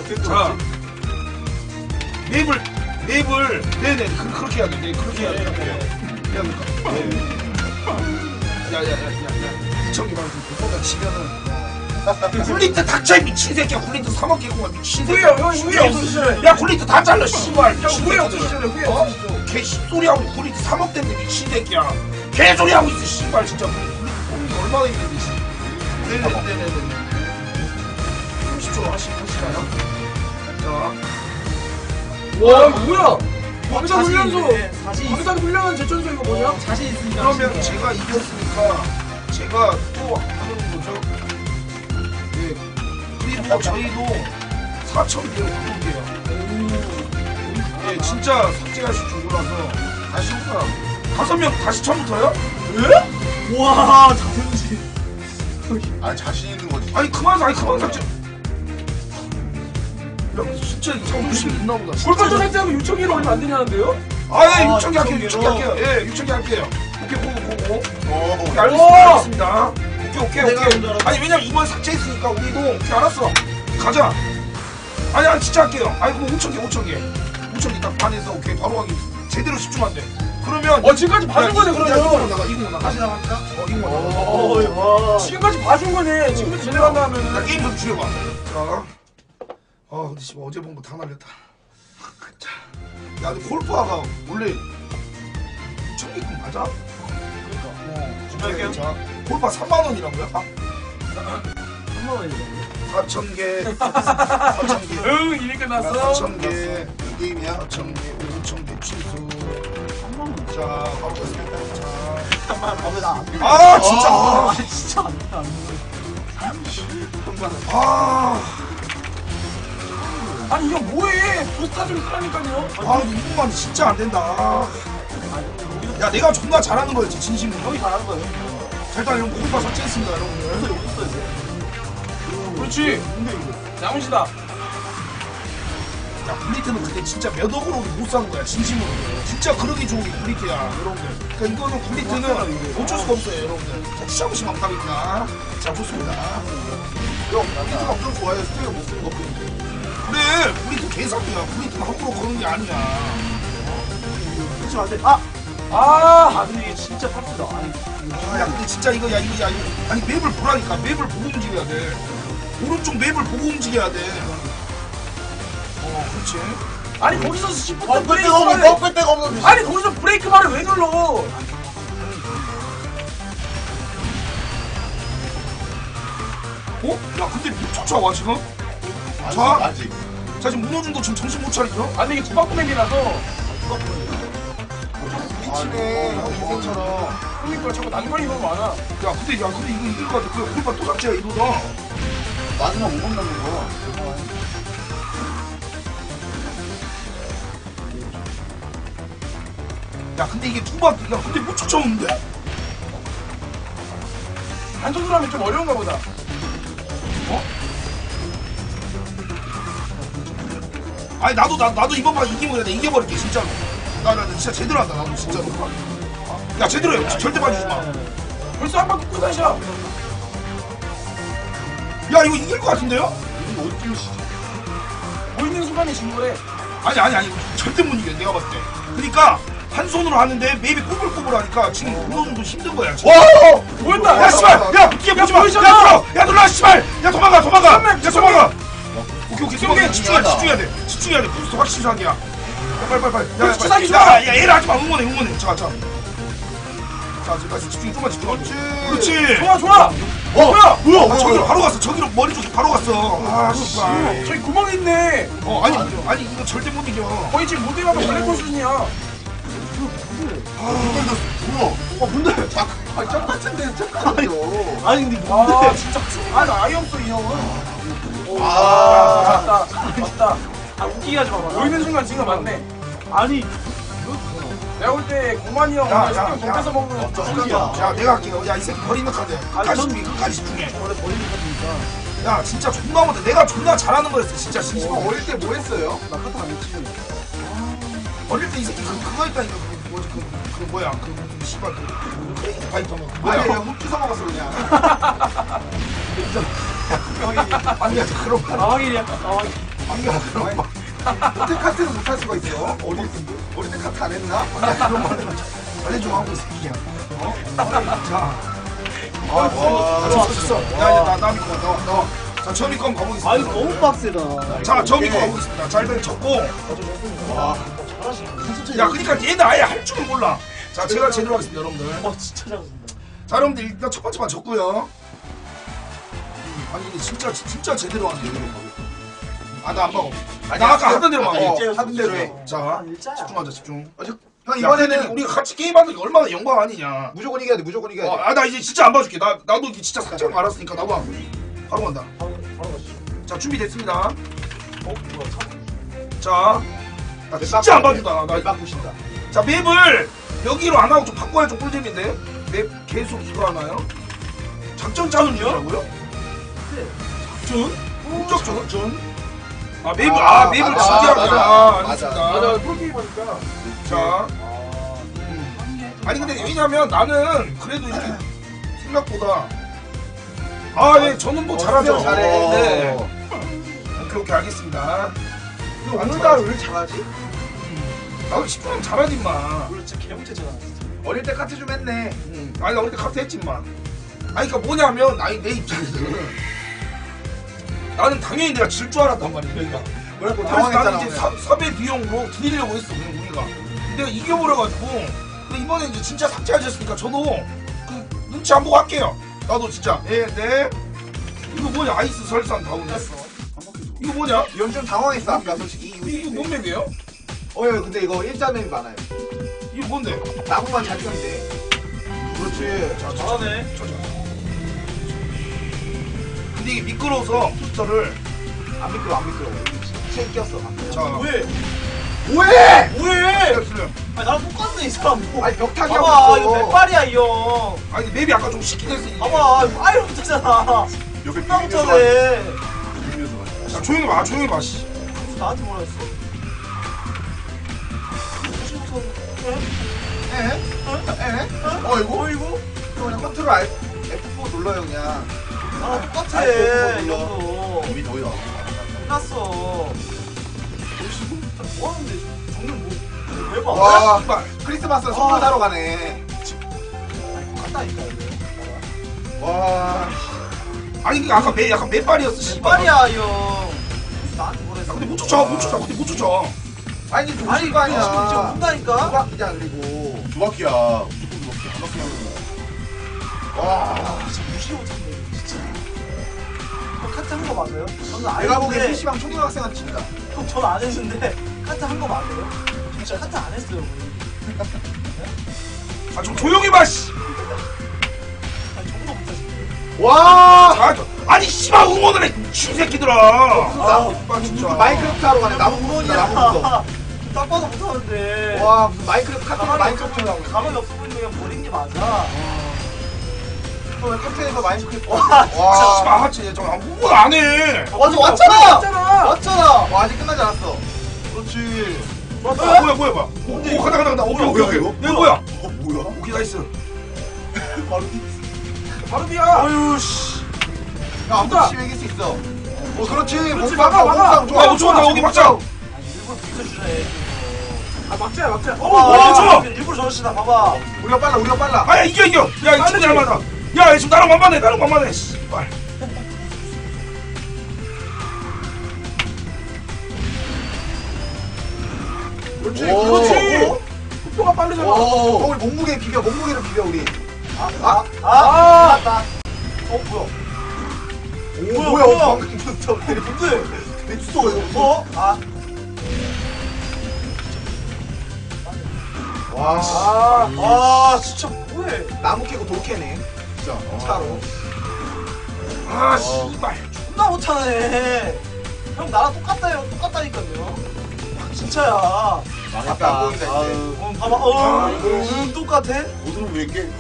자, 맵을 네네 그렇게 해야 돼. 네, 그렇게 해야 돼. 해야 될까? 야야야야야 이청기 말고 그거가 치면은 굴리트 닥쳐 이 미친 새끼야. 굴리트 3억 개고만 미친 새끼야. 후회 없으시잖아요. 야 굴리트 다 잘라 씨발. 후회 없으시잖아요. 후회 없으시죠. 개 씹소리하고 굴리트 3억 때문에 미친 새끼야. 개소리하고 있어 씨발 진짜. 굴리트 얼마나 있는데 씨. 네네네네네 30초 하시나요? 자 와 뭐야? 광산 훈련소. 광산 훈련한 제천소 이거 뭐냐? 자신 있으니까. 그러면 제가 이겼으니까 제가 또 하는 거죠. 네. 그리고 저희도 4,000개로 바꿀게요. 네, 진짜 삭제하실 줄 몰라서 다시 해보라. 5명 다시 처음부터요? 예? 와 자존심. 아 자신 있는 거지. 아니 그만 삭제. 야 진짜 자존심 있나 보다. 골반전 삭제하면 6,000개로 얼마 안 되냐는데요? 아예 6,000개 할게요. 6,000개 할게요. 예 6,000개 할게요. 오케이 고고. 오케이 알겠습니다. 오케이. 아니 왜냐면 이번 삭제했으니까 우리도 오케이 알았어. 가자. 아니 진짜 할게요. 아니 그럼 5,000개 딱 반해서 오케이 바로 하기 제대로 집중한대. 그러면 지금까지 봐준 거네 그러면. 이거 나가. 다시 나갈까? 이거 나가. 지금까지 봐준 거네. 지금까지 제대로 한다 하면은. 나 게임 좀 줄여봐. 자. 근데 씨발 어제 본 거 다 날렸다. 자. 야 근데 골프화가 원래 6,000개급 맞아? 준비할게요. 자, 골파 3만 원이라고요? 3만 원이죠. 4,000개, 4,000개, 응 이미 끝났어. 4,000개, 게임이야? 4,000개, 5,000개 취소. 3만 원. 자, 바로 가겠습니다. 자, 3만 원. 나안 돼. 아 진짜. 진짜 안 돼. 안 돼. 아니 이거 뭐해? 부스타 좀 하라니까요. 이것만 진짜 안 된다. 야, 내가 존나 잘하는 거였지 진심으로. 형이 잘하는 거예요. 자, 일단 이런 골파 삭제했습니다, 여러분들. 그래서 여기 있어야 돼. 그렇지. 야무시다. 야, 블리트는 그때 진짜 몇 억으로 못 사는 거야, 진심으로. 진짜 그러기 좋은 게 블리트야, 여러분들. 그러니까 이거는 블리트는 어쩔 수가 없어요, 여러분들. 자, 시험시 막답입니다. 자, 좋습니다. 형 나도 엄청 좋아해. 스테이크 못 쓰는 거 뿐인데. 그래, 블리트 개사기야. 블리트는 함부로 그러는 게 아니야. 그렇지 안 돼. 근데 이게 진짜 팝스다. 아니. 야, 근데 진짜 이거. 아니, 맵을 보라니까. 맵을 보고 움직여야 돼. 오른쪽 맵을 보고 움직여야 돼. 그렇지. 아니 거기서 시프트 꺾을 브레이크 데가 없는 말을. 꺾을 데가 없는. 아니 거기서 브레이크 말을 왜 눌러? 야, 근데 못 쫓아와, 지금? 아직. 자, 지금 문호준도 지금 정신 못 차리죠? 아니 이게 구박구맵이라서. 미치네. 형 인생처럼. 그러니까 자꾸 난관이 너무 많아. 야, 근데 이거 이길 것 같아. 그 골반 또 삭제야, 이거다. 마지막 5번 남는 거. 야, 근데 이게 야, 근데 못 쫓아오는데? 한 손으로 하면 좀 어려운가 보다. 아니, 나도 이번 판 이기면 그래. 내가 이겨버릴게, 진짜로. 나 진짜 제대로 한다, 나도 진짜로. 야, 제대로 해. 절대 봐주지 마. 벌써 한 바퀴 끝이야. 야, 이거 이길 것 같은데요? 이거 어떻게 오시지? 보이는 순간에 진 거래. 아니. 절대 못 이겨, 내가 봤을 때. 그러니까, 한 손으로 하는데 맵이 꼬불꼬불하니까 지금 문호준도 힘든 거야. 지금. 보였다. 야, 씨발! 야, 뒤에 보지 마! 보이잖아. 야, 눌러! 야, 눌러, 씨발! 야, 도망가! 야, 도망가! 오케이, 집중해, 집중해야 돼. 부스터 확실히 사기야. 야, 빨리. 부스터 사기 좋아. 야, 얘를 하지 마. 응원해. 자, 지금 집중, 좀만 집중하고. 그렇지. 좋아. 뭐야? 저기로 바로 갔어. 저기로 머리 쪽에 바로 갔어. 아, 씨발. 저기 구멍이 있네. 아니, 이거 절대 못 이겨. 거의 지금 무대가면 블랙홀 수준이야. 근데 똑같은데 똑같아요. 아니 근데 뭔데? 진짜 아니 아예 없어 이 형은. 맞다. 웃기게 하지 마봐. 보이는 순간 지금 맞네. 아니 내가 볼 때 고만이 형 야, 신경 돈 뺏어 먹는 거. 야, 내가 할게요. 야, 이 새끼 버리는 카드. 끝까지 집중해. 원래 버리는 카드니까. 야, 진짜 존나 못해. 내가 존나 잘하는 거였어. 진짜 진심. 어릴 때 뭐 했어요? 나 카드 안 했지. 어릴 때 이 새끼 그거 했다니까. 뭐지? 그 뭐야? 그 씨발 그 크레이지 파이터는 아니 뭐야? 흑기 사 먹었어 그냥. 아니야, 그런 거. 나왕일이야. 나왕일. 호텔 카트는 못할 수가 있어. 어릴 때 카트 안 했나? 그런 말을 빨리 좀 하고 있을게요. 자. 됐어. 야, 나 믿고 너. 자, 저 믿고 한번 가보겠습니다. 아 이거 너무 빡세다. 자, 저 믿고 가보겠습니다. 자, 일단 쳤고. 야, 그러니까 얘는 아예 할 줄은 몰라. 자, 제가 제대로 하겠습니다, 여러분들. 진짜 잘한다. 자, 여러분들 일단 첫 번째만 졌고요. 아니, 근데 진짜 제대로 하네. 아, 나 안 먹어. 나 아까 하던 대로 막어. 하던 대로 해. 자, 일자야. 집중하자, 집중. 형 이번에는 이번에는 우리가 같이 게임하는 게 얼마나 영광 아니냐. 무조건 이겨야 돼. 무조건 이겨야 돼. 아, 나 이제 진짜 안 봐줄게. 나도 이게 진짜 살짝 알았으니까 나도 안 봐. 바로 간다. 바로 가시죠. 자, 준비됐습니다. 뭐야 참. 자, 나 진짜 안 봐주다. 바꾸신다. 자, 맵을 여기로 안 하고 좀 바꿔야 좀 꿀잼인데. 맵 계속 이거 하나요? 작전 짜는 이유라고요? 작전? 작전? 아, 맵을 맵을 맞아, 준비하자. 맞아. 알겠습니다. 프로게임 하니까. 자, 아니 근데 왜냐면 나는 그래도 이렇게 생각보다 네, 저는 뭐 잘하죠. 잘해. 네. 오케이 알겠습니다. 오늘따라 왜 이렇게 잘하지? 나도 10분 잘하지 마. 오늘 진짜 개형체잖아. 어릴 때 카트 좀 했네. 아니 나 어릴 때 카트 했지 마. 아니 그러니까 뭐냐면 아니 내 입장에서는 나는 당연히 내가 질 줄 알았단 말이야. 그러니까 뭐라고 그래서 나는 당황했잖아. 이제 섭외 비용으로 드리려고 했어 그냥 우리가. 내가 이겨버려가지고 근데 이번에 이제 진짜 삭제하셨으니까 저도 그 눈치 안 보고 할게요. 나도 진짜 네. 이거 뭐냐 아이스 설산 다운이야. 이거 뭐냐? 이건 좀 당황했어 아까 솔직히. 이거 뭔 맵이에요? 근데 이거 일자맵이 많아요. 이거 뭔데? 나무만 잘 펴면 돼. 그렇지. 자, 잘하네. 근데 이게 미끄러워서 부스터를 안 미끄러. 체인 꼈어. 자 뭐해? 뭐해? 뭐해? 됐어요. 아니 나랑 똑같네 이 사람. 뭐. 아니 벽타기 봐봐 하고 이거 있어. 맨발이야 이 형. 아니 맵이 아까 좀 쉽긴 했어 이게. 봐봐 이거 아예 못하잖아. 여기 나 못하네. 자 조용히 봐 조용히 봐 씨. 나한테 뭐라 했어? 이거? 어이구? 그냥 컨트롤 F4 눌러요 그냥. 나랑 똑같아 아이고, 이 형도. 이미 너희 나와. 끝났어. 뭐 하는데 정말 뭐 봐? 와, 씨발. 크리스마스 선물 사러 가네. 똑같다니까 와, 아니 이게 아까 맵 약간 맵발이었어 씨발. 맨발이야 이 형. 나한테 뭐라 야, 했어? 근데 못 쫓아 근데 못 쫓아. 아니 좀 아니 거 이거 지금 아니야. 문다니까? 두 바퀴잖아 그리고. 두 바퀴야. 무조건 두 바퀴. 한 바퀴 하는 거야. 와, 진짜 무시 못하네 진짜. 형 카트 한 거 맞아요? 저는 안 내가 보기엔 했는데 PC방 초등학생한테 진다. 형 저는 안 했는데 카트 한 거 맞아요? 진짜 카트 안 했어요 아 좀 조용히 봐 씨. 아니 정도 못하시네. 와, 아니 씨발 응원을 해 미친 새끼들아. 아 진짜. 마인크래프트 하러 가네. 나무 무너지냐, 나무 무너. 딱 봐도 못하는데. 와, 무슨 마인크래프트 카트 가만히 마인크래프트 없어 하고 있어. 가만히 없어 보이는 그냥 버린 게 맞아. 왜 카트에서 마인크래프트? 와, 아 씨발 하지 저 아무것도 안 해. 맞아, 왔잖아. 맞잖아. 왔잖아. 와, 아직 끝나지 않았어. 그렇지. 뭐야. 오 가다. 오케이. 이거? 얘 뭐야? 뭐야? 오케이 나이스. 바로비야. 아유 씨. 야, 아무도 심 이길 수 있어. 그렇지. 그렇지, 몸싸움, 막아. 몸싸움 좋아. 야 좋다 여기 막자. 일부러 비켜주네. 아 막자야. 어, 좋아. 일부러 저러시다 봐봐. 우리가 빨라. 아야 이겨. 야 이 친구 잘 맞아. 야 지금 나랑 만만해. 씨발. 그렇지. 오. 그렇지. 속도가 빠르잖아. 우리 몸무게를 비벼 우리. 맞다. 뭐야? 오, 뭐야? 방금 진짜 뭔데? 내 주소가 이거 무슨? 와 진짜 뭐해? 나무 캐고 돌 캐네. 진짜. 차로. 아 씨발. 존나 못하네. 형 나랑 똑같다니까요. 진짜야. 앞에 안 보인다 이제. 봐봐. 똑같아. 옷은 왜 이렇게?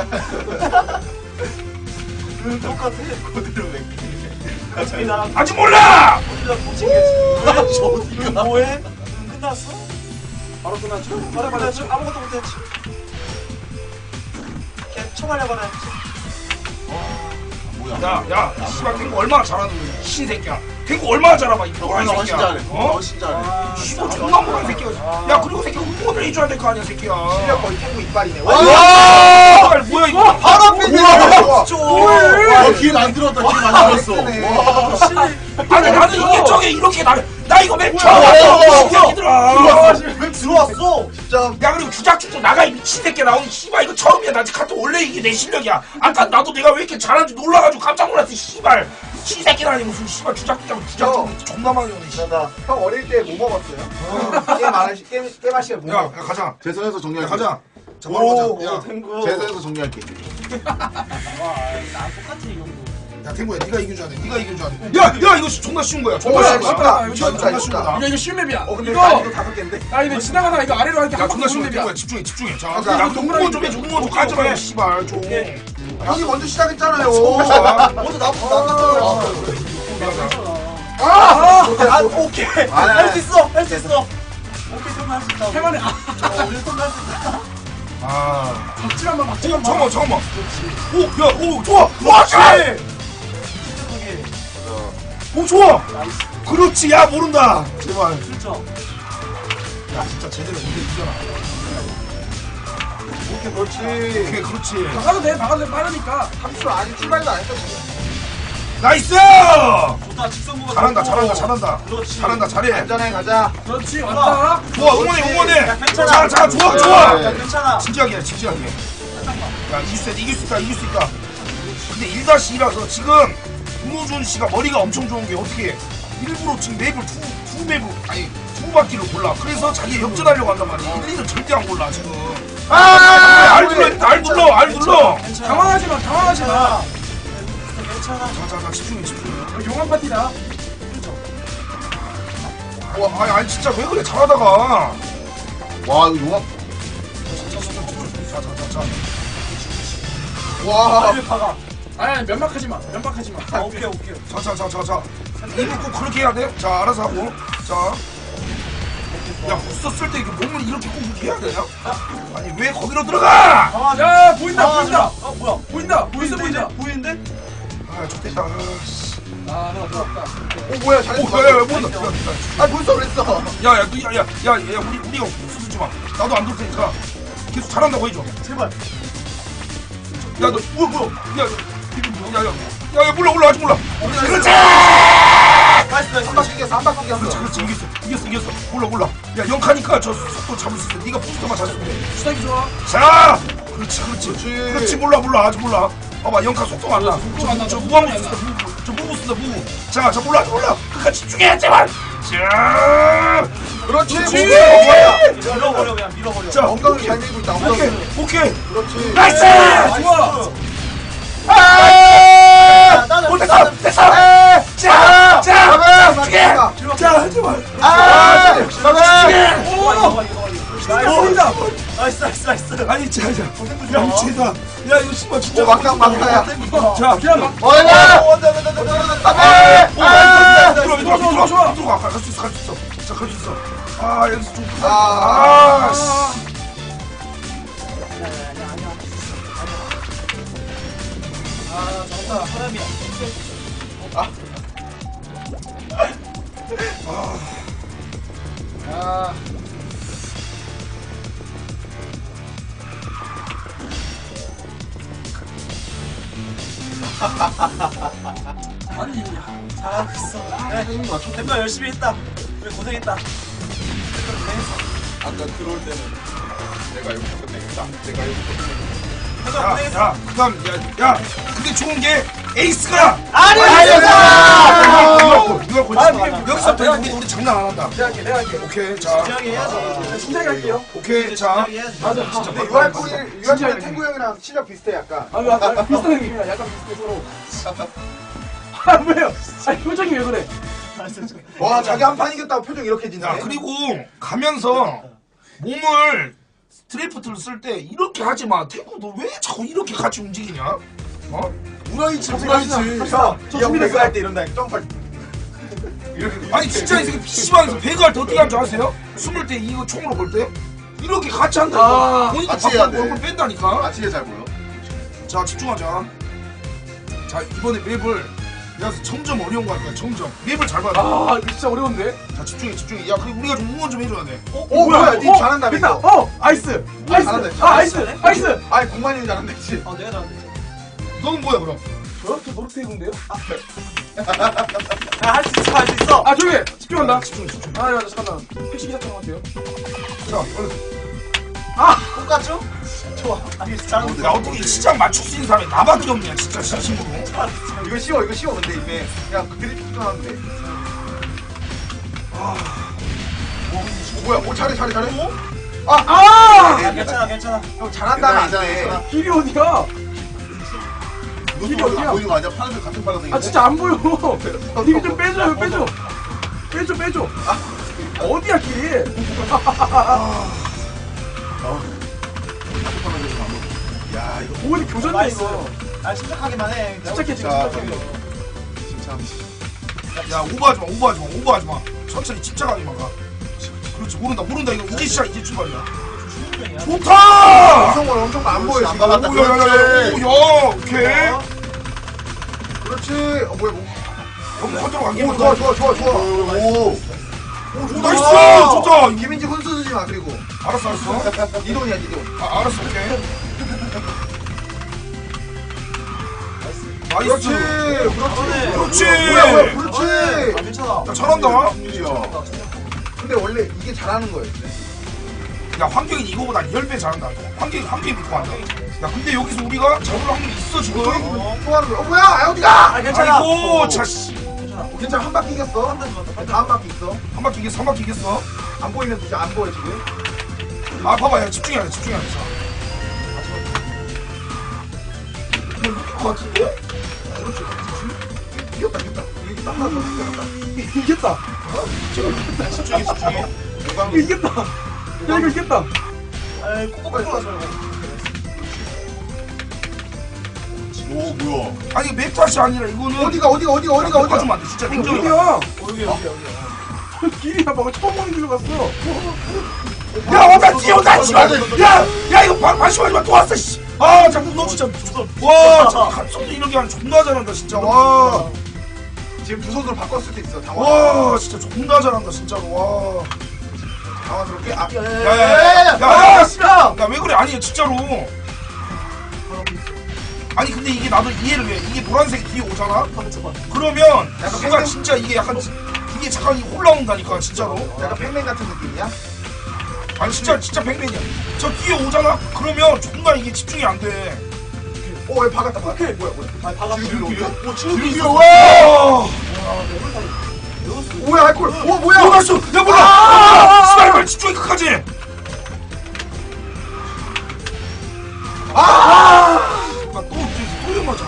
똑같아. 그대로 내. 어차피 나랑 아직 몰라. 어디다 못 챙겼지. 왜? 뭐해? 끝났어? 바로 끝났죠? 바로 말했지? 아무것도 못했지. 걔 처발려버렸지. 뭐야? 야 씨발 탱고 얼마나 잘하는 거야 신새끼야. 탱구 얼마나 잘하봐 이 노란 훨씬 새끼야. 잘해. 어? 훨씬 잘해. 씨발 존나 못한 새끼야. 야 그리고 새끼 응원을 해줘야 될 거 아니야 새끼야. 실력 거의 탱구 이빨이네. 와 뭐야 이거. 바로 앞에 있네. 와, 기회 만들었다. 기회 만들었어. 와. 아니 나는 이게 저게 이렇게 나 이거 맨 처음 와, 왔어 새끼들아. 왜 들어왔어? 진짜. 야 그리고 주작주작 나가 이 미친 새끼 나오는 씨발 이거 처음이야. 나 카트 원래 이게 내 실력이야. 아까 나도 내가 왜 이렇게 잘하는지 놀라가지고 깜짝 놀랐어 씨발. 시새끼라니 무슨 씨발 주작주작 존나 많이 오네. 형 어릴 때 뭐 먹었어요? 게임 할 시간 뭐 야 먹었어요? 가자. 재선에서 야 정리할게. 가자. 자 바로 가자. 야, 재선에서 정리할게. 야 탱구야 네가 이긴 줄 아네. 네가 이긴 줄 아네. 야 이거 존나 쉬운 거야. 존나 쉬운 거야. 쉽다. 이거 존나 쉬운 거다. 이거 쉬운 맵이야. 근데 이거 난이도 5개인데? 나 이거 지나가다가 이거 아래로 할게 야 존나 쉬운 맵이야. 거야. 집중해 집중해. 자, 가자. 야 응원 좀 해줘. 응원 좀 가지 마. 씨발 좀. 형이 먼저 시작했잖아요. 먼저 나부터 오케이. 할 수 있어. 할 수 있어. 해만해. 아. 박지만만 박지만. 잠깐만. 오 좋아. 와 잘. 오 좋아. 그렇지. 야 모른다. 제발. 야 진짜 제대로 이게 이겨라. 오케이, 그렇지. 오케이 그렇지. 박아도 돼 빠르니까. 함수 아직 출발도 안 했어, 지금. 나이스. 좋다 직선구가 잘한다 잘해. 안전하게 가자. 그렇지 왔다. 좋아 응원해. 괜찮아. 자 좋아. 네. 괜찮아 진지하게 야 이길 수 있다. 근데 1-2라서 지금 김호준 씨가 머리가 엄청 좋은 게 어떻게 일부러 지금 맵을 두 바퀴를 골라. 그래서 자기 역전하려고 한단 말이야. 1, 2는 절대 안 골라 지금. 알 눌러. 당황하지 마. 자 집중해. 용암 파티다. 와 아니 진짜 왜 그래 잘하다가. 와, 이거 용암. 자. 와. 빨리 박아 아니 면박하지 마. 오케이 자. 이거 꼭 그렇게 해야 돼? 자, 알아서 하고. 자. 야, 부스 쓸 때 몸을 이렇게 꼭 이렇게 해야 되냐? 아니, 왜 거기로 들어가? 야 보인다. 뭐야 보인다. 보인다. 보이는데? 아, 좋겠다. 아 내가 들어왔다. 뭐야, 잘했어. 야, 뭐야. 벌써 그랬어. 야, 우리가 부스 쓰지 마. 나도 안 들 테니까. 계속 잘한다고 해줘. 제발 야, 너, 뭐야. 야, 몰라, 아직 몰라. 그렇지! 나이스 한 바퀴 이겼어. 그렇지, 이겼어. 몰라. 야, 영카니까 저 속도 잡을 수 있어. 네가 부스터만 잘했으면 돼. 수상이 좋아. 자! 그렇지, 몰라, 아직 몰라. 봐봐, 영카 속도가 안 나. 저 무한무 쓴다, 무브. 자, 몰라. 끝까지 집중해, 제발! 자! 그렇지. 밀어버려 그냥 밀어버려 자, 엉덩이 잘 밀고 있다. 엉덩이. 오케이. 그렇지. 나이스! 좋아. 됐어! 자, 집중해! 자, 제발! 보인다. 나이스 아니, 자. 야, 미친다. 야, 이거 씨발 진짜. 막타야. 자, 그냥 막. 들어가. 갈 수 있어. 자, 갈 수 있어. 아, 여기서 좀. 씨. 사람이야 아. 아니 잘하고 있어 템도 열심히 했다 그래 고생했다 아까 들어올 때는 내가 여기서 끝내겠다. 템도 고생했어 야, 그다음, 야, 근데 좋은 게 에이스가. 이거 골치. 여기서부터 우리 장난 안 한다. 내가 할게. 오케이, 자. 진지하게 해야지 진작에 할게요. 오케이, 자. 진지하게 해야지 맞아. 근데 유할꾼이 탱구 형이랑 실력 비슷해, 약간. 비슷한 느낌이야. 약간 비슷해 서로. 아 왜요? 아니 표정이 왜 그래? 와, 자기 한 판 이겼다고 표정 이렇게 짓네. 야, 그리고 가면서 몸을 드래프트를 쓸 때 이렇게 하지 마. 태구 너 왜 자꾸 이렇게 같이 움직이냐? 어? 우라이치. 형 배그 할때 이런다. 점프. 아니 진짜 이 새끼 PC방에서 배그할 때 어떻게 하는 줄 아세요? 숨을 때 이거 총으로 볼 때 이렇게 같이 한다니까. 본인도 같이 해야 바꿔 돼. 얼굴 뺀다니까. 아치게 잘 보여. 자, 집중하자. 자, 이번에 맵을 그래서 점점 어려운 거 할 거야. 점점 맵을 잘 봐야 돼. 아 이거 진짜 어려운데? 자 집중해 집중해. 야 그리고 우리가 좀 응원 좀 해줘야 돼. 뭐야 니 잘한다 됐다! 이거. 아이스! 잘한다, 아이스! 아 아이스! 아이스! 아니 공만이 잘한다 했지. 내가 잘한다. 너는 뭐야 그럼? 저렇게 노릇해군데요? 할 수 있어, 할 수 있어. 아 조용히 해! 집중한다! 집중 집중. 아 맞아 잠깐만 택시 기사처럼 할게요 자 얼른. 똑같죠? 좋아. 아니, 잘하는데. 야 어떻게 시장 맞출 수 있는 사람이 나밖에 없냐 진짜 진심으로. 이거 쉬워 근데 이게 야 그래픽 하는데. 뭐야? 오 잘해. 괜찮아, 괜찮아. 형 잘한다는 안 돼. 길이 어디야? 이것도 어디야? 보이는 거 아니야? 파란색 같은 파란색. 아 진짜 안 보여 님이 좀 빼줘요 빼줘 어디야 길이? 야 이거 오늘 교전돼 나이스. 이거 아, 침착하기만 해. 침착해 지금 자, 침착해 야 오버하지 마. 천천히 집착하기만 가. 그렇지 모른다 이거 이제 시작 이제 출발이야. 좋다. 이성원 엄청 안 보여 안 지금. 받았다. 오야 오케이. 그렇지. 뭐야 뭐. 너무 컨트롤 안 오 되면 좋아. 오. 나이스 좋다. 김민지 혼수 주지 마 그리고. 알았어 네 돈이야 네 돈. 알았어 오케이. 그렇지. 나이스. 그렇지. 뭐야 그렇지. 아, 괜찮아. 야 잘한다. 근데 원래 이게 잘하는 거였어. 야 환경이 이거보다 10배 잘한다. 환경이 믿고 한다. 야 근데 여기서 우리가 잡을 확률이 있어 지금. 좋아하는 거야. 뭐야? 아 어디가? 아, 괜찮아. 아이고 자씨. 괜찮아. 괜찮아 한 바퀴 이겼어. 다음 바퀴 있어. 한 바퀴 이겼어 한 바퀴 이겼어. 안 보이면 진짜 안 보여 지금. 아 봐봐 야 집중해야 돼. 것 같은데? 그렇지. 이겼다. 이게 딱 나서 이겼다 집중해. 이겼다 야 이거 이겼다 에이, 코코코 좋아. 오 뭐야? 아니 맵 탓이 아니라 이거는 어디가? 봐주면 안 돼. 진짜 냉정해. 어디야 여기. 길이야 방금 처음 보는 길로 갔어 야 나 뛰어온다 씨발. 야 이거 방심하지 마. 또 왔어 씨. 아 자꾸 너 진짜 와 진짜 갓소도 이런 게 아니라 존나 잘한다 진짜. 와. 지금 두 손으로 바꿨을 때 있어. 와 진짜 존나 잘한다 진짜로. 와. 당황스럽게. 야야야야 씨발. 야왜 그래? 아니 진짜로. 아니 근데 이게 나도 이해를 해. 이게 노란색이 뒤에 오잖아. 그러면 뭔가 진짜 이게 약간 이게 잠깐 올라온다니까 진짜로. 약간 팩맨 같은 느낌이야? 아니 진짜 백맨이야. 저 뒤에 오잖아. 그러면 존나 이게 집중이 안 돼. 왜 박았다. 뭐야? 아, 박았어. 와. 뭐야 알콜. 뭐야? 몰랐어. 야 몰라. 씨발 말 집중이 끝까지. 또 맞아.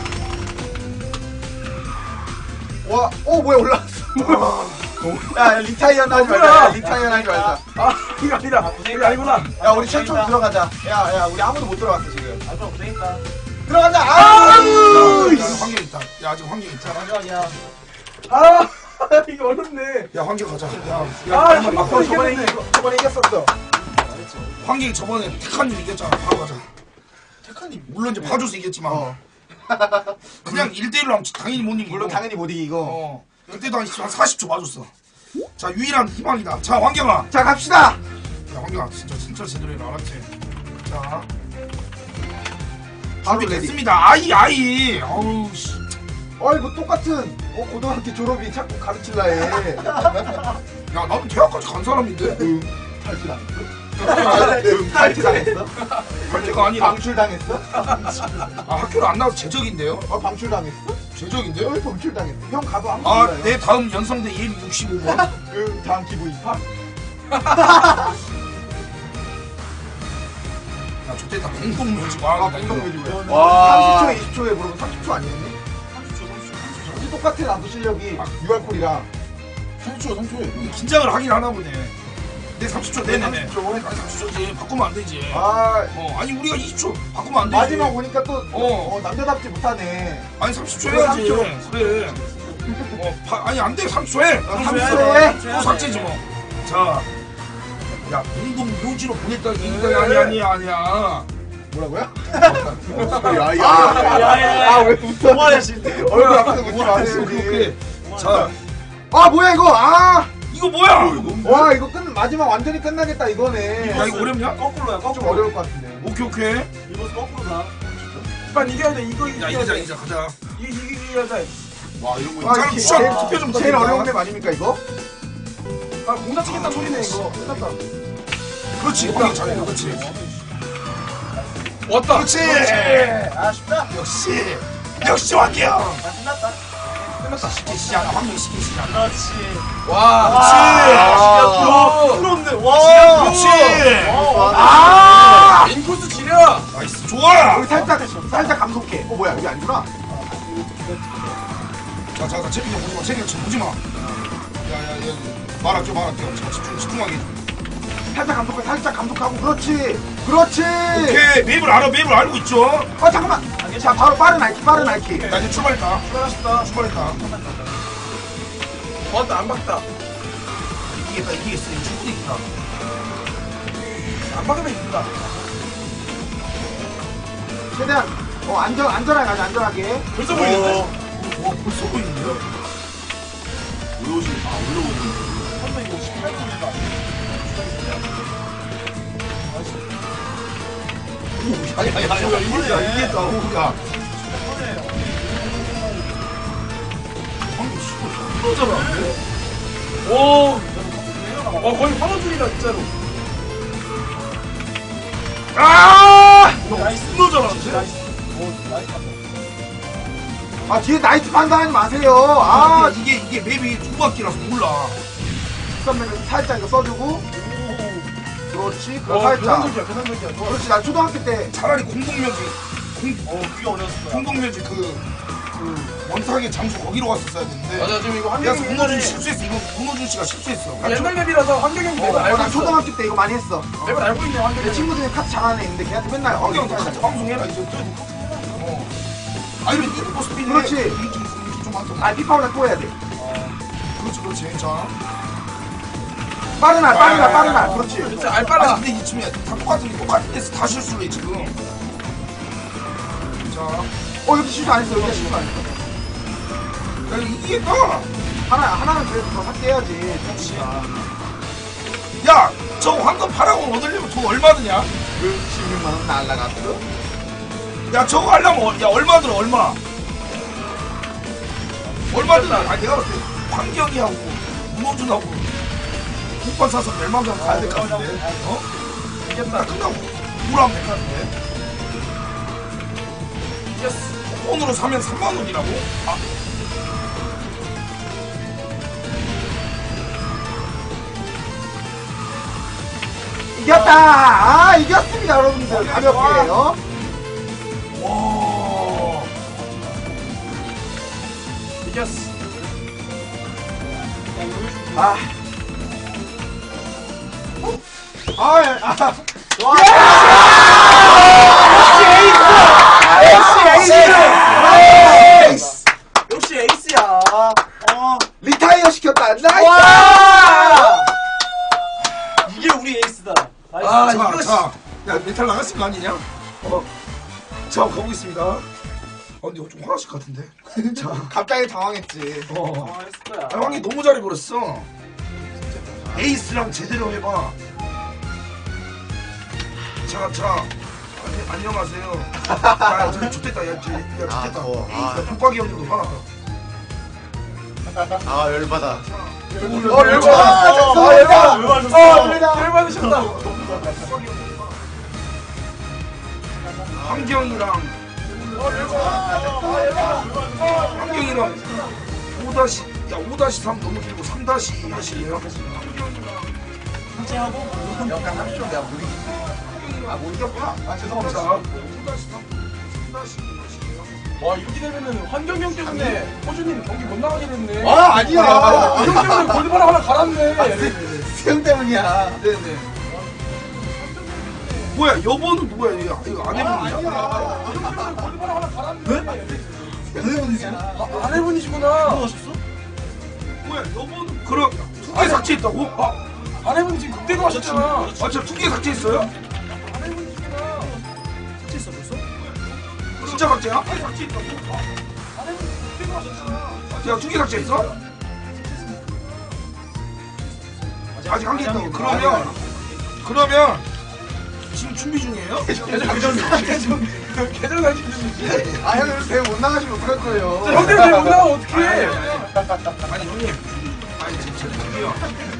뭐야 올라왔어. 야 리타이어 하지 말자. 리타이어 하지 말자. 아 이거 아니다 이거 아니구나 야 우리 최초 들어가자. 야 우리 아무도 못 들어갔어 지금. 아, 좀 고생했다. 들어가자. 환경 있다. 야 아직 환경 있다. 마지막이야. 아 이거 어렵네 야 환경 가자. 아 저번에 이겼었어. 환경이 저번에 택한님 이겼잖아. 바로 가자. 택한님 물론 이제 봐줘서 이겼지만 그냥 1대1로 하면 당연히 못 이기고. 물론 당연히 못 이기고. 그때도 한 40초 봐줬어. 자 유일한 희망이다. 자 환경아. 자 갑시다. 야 환경아 진짜 제대로 해라 알았지? 자 바로 레디. 준비됐습니다. 아이 어우 씨. 이거 똑같은 고등학교 졸업이 자꾸 가르칠라 해. 야 나도 대학까지 간 사람인데. 탈퇴당했어? 발대가 아니라 방출당했어? 학교를 안 나와서 제적인데요? 방출당했어? 제적인데요? 방출당했어? 형 가도 아무도 아 몰라요. 내 다음 연성대 예비 65번. 그 다음 기부 입학? 야 저때다 공동묘지 와. 공동묘지 와. 30초에 20초에 물어보면 30초 아니었니? 30초 똑같아 나도 실력이 유알콜이랑 3초에. 긴장을 하긴 하나 보네. 내 30초 네네네. 30초지 바꾸면 안 되지. 아니 우리가 20초 바꾸면 안 되지. 마지막 오니까 또 남자답지 못하네. 아니 30초 해야지. 30초. 그래. 아니 안 돼. 30초 해. 30초에? 또 삭제지 뭐. 자, 야 공동 묘지로 보냈다 이거 아니야. 뭐라고요? 야야야왜 웃어? 얼굴 앞에서 웃지 마세요. 오케이. 자, 아 뭐야 이거? 아, 이거 뭐야? 와 이거 마지막 완전히 끝나겠다 이거네. 야, 이거 어렵냐? 거꾸로야 좀 거꾸로. 어려울 것 같은데. 오케이, 오케이. 이거 거꾸로 가. 빨리 이겨야 돼. 이거 야, 이겨야 이기자, 돼. 이기자, 가자. 이겨야 돼. 와 이런 거 아, 자, 이게 쿠션 제일- 투표 좀 제일 어려운 부탁드립니다. 맵 아닙니까 이거? 아 공사 치겠다 소리네 이거. 끝났다. 그렇지, 우리 잘해, 그렇지. 왔다. 그렇지. 아쉽다. 역시 왕이야. 아, 끝났다. 끝났다. 쉽게 시작, 황룡 쉽게 시작. 그렇지. 와. 그렇지. 부럽네. 와. 그렇지. 아. 인코스 지려. 나이스, 좋아. 여기 살짝 감속해. 뭐야 여기 아니구나. 자, 채비 좀 보지 마, 채비 좀 보지 마. 야, 말할게. 자, 집중하게. 살짝 감속하고 그렇지. 오케이, 맵을 알아, 맵을 알고 있죠. 잠깐만. 자 바로 빠른 알키. 나 이제 출발했다. 출발했다. 왔다 안 박다. 이기겠다. 충분히 이기다. 안 박으면 이긴다. 최대한 안전하게 가자 안전하게. 벌써 보이는데? 와, 벌써 보이는데요? 올라오시는 올라오시는 선배 이거 18분이다. 이겼다. 야, 방금 씨발 잘하는데? 오. 와 거의 화너줄이다 진짜로. 아! 나이스. 존나 잘하는데? 나이스. 아 뒤에 나이스 판단하지 마세요. 아 이게 맵이 두 바퀴라서 몰라. 직선면에서 살짝 이거 써주고. 그렇지. 어 살짝. 계산적이야. 좋아. 그렇지. 나 초등학교 때 차라리 공동묘지 그게 어려웠을 거야. 공동묘지 그 원탁의 장소 거기로 갔었어야 되는데. 맞아 지금 이거 내가 환경이 문호준 실수했어. 이거 문호준 씨가 실수했어. 옛날 맵이라서 환경이 맵을 알고 나 있어. 초등학교 때 이거 많이 했어. 맵을 알고 있네 내 환경이. 친구들이 카트 잘하는 애 있는데 걔한테 맨날 황경 어경 같이 방송해라 이제. 아니면 이거 모습이 그렇지. 좀 하자. 아 피파보다 또 해야 돼. 그렇지. 자. 빠른 날. 그렇지. 진짜 아니 알빨라. 근데 이 춤이 다 똑같은 데서 다 실수를 해 지금. 자. 여기 실수 안 했어. 여기 실수 안 했어. 야 이기겠다. 하나는 그래도 더 삭제해야지. 야, 저 황금 파라곤 얻으려면 돈 얼마 드냐? 16만 원 날라갔어. 야, 저거 하려면 야 얼마 들어 얼마? 얼마 드나? 아니 내가 봤을 때 황경이하고 문호준하고 국밥 사서 멸망전 가야 될 것 같은데. 어? 이겼다. 끝나고 뭐라면 될것 같은데. 이겼어. 돈으로 사면 3만 원이라고? 아. 이겼다. 이겼습니다 여러분들. 가볍게요. 와. 이겼어. 아. 역시 에이스야. 리타이어 시켰다. 나이스. 와! 이게 우리 에이스다. 나이스. 아, 이거 자. 야, 메탈 나갔을 거 아니냐? 자, 가보겠습니다. 근데 이거 좀 화나실 것 같은데. 자, 갑자기 당황했지. 했을 거야. 아, 황이 너무 잘해버렸어. 에이스랑 제대로 해봐. 자. 안녕하세요. 야, 저기 좋댔다. 야, 좋댔다. 야, 독박이 형님도 화났다. 아 열받아. 열받으셨다. 환경이랑 5-3 너무 길고 3-1이에요. 하고 약간 합쇼야 우리. 못 이겼구나. 죄송합니다. 5-3, 와 이렇게 되면은 환경이 형 때문에 호주님 경기 못 나가게 됐네. 아니야. 형 때문에 골드바람 하나 갈았네. 수영 때문이야. 네네. 뭐야, 여보는 누구야? 이거 아내분이야? 골드바람 하나 갈았네. 여자분이세요? 아내분이시구나. 뭐야, 여보는 그럼 2개 삭제했다고? 아내분 지금 그때도 하셨잖아. 진짜 2개 삭제했어요? 아내분이시구나. 진짜 삭제야? 야, 2개 삭제했어? 아직 한 개 있다고. 그러면 지금 준비 중이에요? 계정 상심 중이지. 아 형님 대회 못 나가시면 어떡할 거예요? 형들 왜 못 나가 어떡해? 아니 형님, 아니 진짜 드디어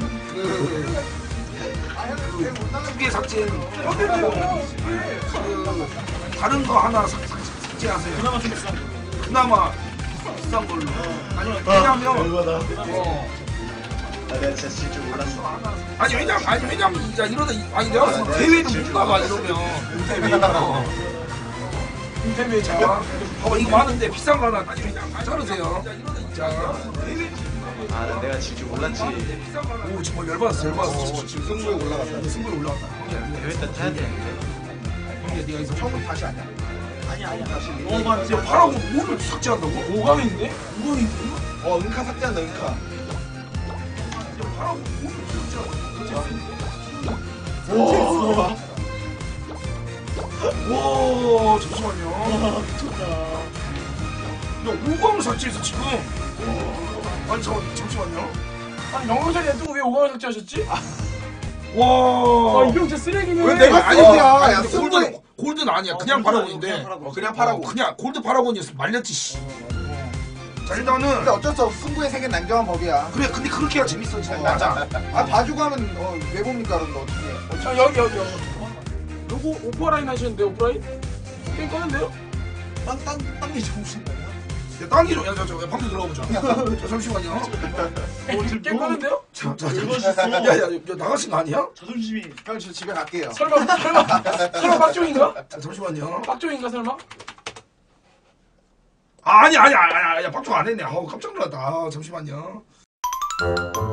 아 형님 대회 못 나가시면 2개 삭제는 형들 왜 못 나가 어떡해? 다른 거 하나 삭제하세요. 그나마 비싼 걸로. 아니 왜냐면 내가 진짜 질 줄 몰랐어. 아니 왜냐면 야 이러다 아니 내가 봤을 때 대회도 못 나가 이러면 인터뷰에 자 봐봐 이거 많은데 비싼 거 하나 아니 왜냐면 자르세요. 자 내가 질 줄 몰랐지. 오 정말 열받았어. 지금 승부에 올라갔다. 승부에 올라왔다. 대회 때 타야 되는데. 형님 네가 여기서 처음 다시 아니야? 아니야. 다시. 야 파라고 뭐를 삭제한다고? 5강인데? 5강인데? 은카 삭제한다 은카. 파라고 뭐를 와 잠시만요. 야 5강을 삭제했어 지금. 아니 잠시만요. 아니 영상이 냅두고 왜 5강을 삭제하셨지? 와. 아 이거 진짜 쓰레기네. 왜 내가 아니 쓰레기야? 아니 야, 근데 승부에- 골드는 아니야. 그냥 파라곤인데. 그냥 파라고. 그냥 골드 파라곤이었어. 말렸지 씨. 자 일단은 근데 어쩔 수 없어. 승부에 생긴 냉정한 법이야. 그래 근데 그렇게 해야 재밌어 진짜. 맞아. 아 봐주고 하면 왜 봅니까 그런데 어떻게? 자 여기 요거 오프라인 하시는데 오프라인? 게임 꺼낸대요? 땅이 좋으신 거예요? 야 땅이로 야저 방금 들어가 보자. 저 잠시만요. 게임 꺼낸대요? 야야 나가신 거 아니야? 자존심이. 형 저 집에 갈게요. 설마 박종인가? 자, 잠시만요. 박종인가 설마? 아니 야 박종 안 했네. 아우 깜짝 놀랐다. 아, 잠시만요.